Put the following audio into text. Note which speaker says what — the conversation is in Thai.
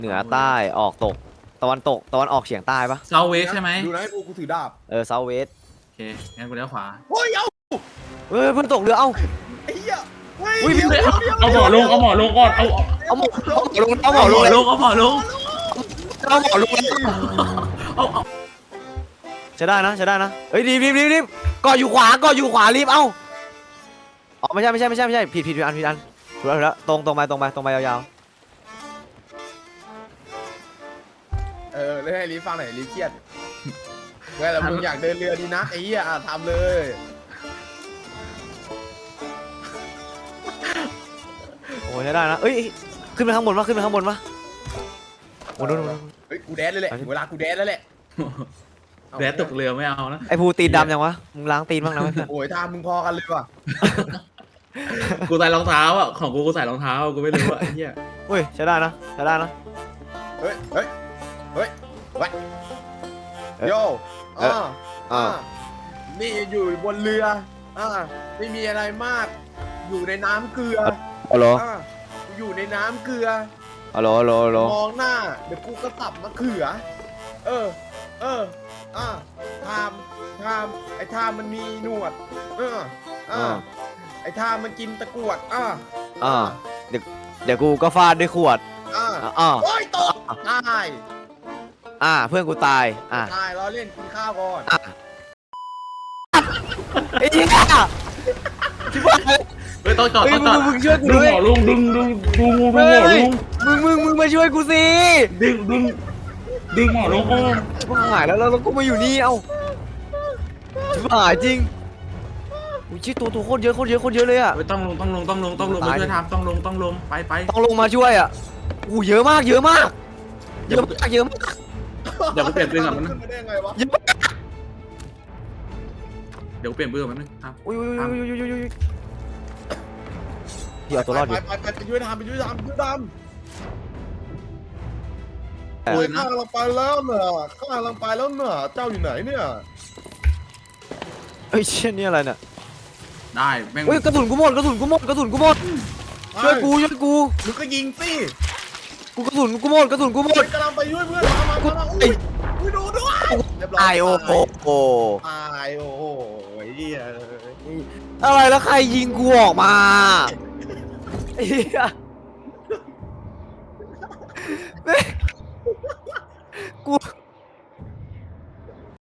Speaker 1: เหนือใต้ออกตกตะวันตกตะวันออกเฉียงใต้ปะ
Speaker 2: เซาเวสใช่ไหม
Speaker 3: ดูนะกูถือดาบ
Speaker 1: เซาท์เวส
Speaker 2: โอเคงั้นกูเลี้ยวขวา
Speaker 3: โอ้ยเอา
Speaker 1: เฮ้ยเพิ่งตกเรือเอ้า
Speaker 3: ไอ้เหี้ยเฮ้ย
Speaker 1: อุ้ย
Speaker 3: เดี๋ยวเดี๋ยว
Speaker 2: เอาหมอลงเอาหมอลงก่อนเอา
Speaker 1: เอาหมอลงเอาหม
Speaker 2: เอา
Speaker 1: อ
Speaker 2: หม
Speaker 1: ล
Speaker 2: อง
Speaker 1: เลย
Speaker 2: ลงเอาหมอลง
Speaker 1: เอาหมอลง
Speaker 2: เอา
Speaker 1: ใช้ได้นะใช้ได้นะเฮ้ยรีบเกาะอยู่ขวารีบเอ้าอ๋อไม่ใช่ผิดอันถูกแล้วตรงไปยาว
Speaker 3: เล่นให้ลีฟังหน่อยลีเครียดเว้ยแล้วมึงอยากเดินเรือดีนักไอ้เหี้ยทำเลย
Speaker 1: โอ้ใช้ได้นะเอ้ยขึ้นไปข้างบนปะโอ้โห
Speaker 3: เฮ้ยกูแดนเลยแหละเวลากูแดนแล้วแหละ
Speaker 2: แดดตกเรือไม่เอานะ
Speaker 1: ไอ้ภูตีนดำยังวะมึงล้างตีนบ้างนะเพื่อน
Speaker 3: โอ้ยทำมึงพอกันเลยว่ะ
Speaker 2: กูใส่รองเท้าอ่ะของกูใส่รองเท้ากูไม่รู้อ่ะไอ้เหี้ย
Speaker 1: เฮ้ยใช้ได้นะ
Speaker 3: เฮ้ยไว้โยนี่อยู่บนเรือไม่มีอะไรมาก อยู่ในน้ำเกลือ
Speaker 1: ฮัลโหล
Speaker 3: อยู่ในน้ำเกลือ
Speaker 1: ฮัลโหล
Speaker 3: มองหน้าเดี๋ยวกูก็สับมะเขือทามไอ้ทามมันมีหนวดไอ้ทามมันกินตะกรวด
Speaker 1: เดี๋ยวกูก็ฟาดด้วยขวด
Speaker 3: โอ้ยตกตาย
Speaker 1: เพื่อนกูตาย
Speaker 3: ตายเราเล่นกินข้าวก่อน
Speaker 1: ไอ้เหี้ยชิบหาย
Speaker 2: เฮ้ยต้องจอดต้องจอด
Speaker 1: มึงช่วยกู
Speaker 2: ดึง
Speaker 1: ด้วย
Speaker 2: หมอลงดึงหมอลง
Speaker 1: มึงมาช่วยกูสิ
Speaker 2: ดึงหมอลงก่อน
Speaker 1: ชิบหายแล้วกูมาอยู่นี่เอ้าชิบหายจริงอุ้ยชิตัวโคตรเยอะเลยอะ
Speaker 2: เฮ้ยต้องลงมาช่วยทำต้องลงไป
Speaker 1: ต้องลงมาช่วยอะอู้เยอะมาก
Speaker 2: เดี๋ยวกูเปลี่ยนปืนก่อนมัน
Speaker 3: ขึ้นมาได้ไงวะ
Speaker 1: เยอะมาก
Speaker 2: เดี๋ยวกูเปลี่ยนปืนก่อนมันครับ
Speaker 1: อุ้ยพี่เอาตัวรอดอยู่
Speaker 3: ไปช่วยทำไปช่วยทำ
Speaker 2: ปืน
Speaker 3: ข้า
Speaker 2: นะ
Speaker 3: กำลังไปแล้วเนอะเจ้าอยู่ไหนเนี่ย
Speaker 1: เฮ้ยเชี่ยนี่อะไรเนี่ย
Speaker 2: ได้แม่ง
Speaker 1: เฮ้ยกระสุนกูหมดช่วยกู
Speaker 3: มึงก็ยิงสิ
Speaker 1: กระสุนกูหมด
Speaker 3: กำลังไปช่วยเพื่อนมาอุ้ยดูด้วยเรียบร้อย
Speaker 1: ตายโอ้โห
Speaker 3: ตายโอ้โหเหี้ย
Speaker 1: อะไรแล้วใครยิงกูออกมาไอ้เหี้ย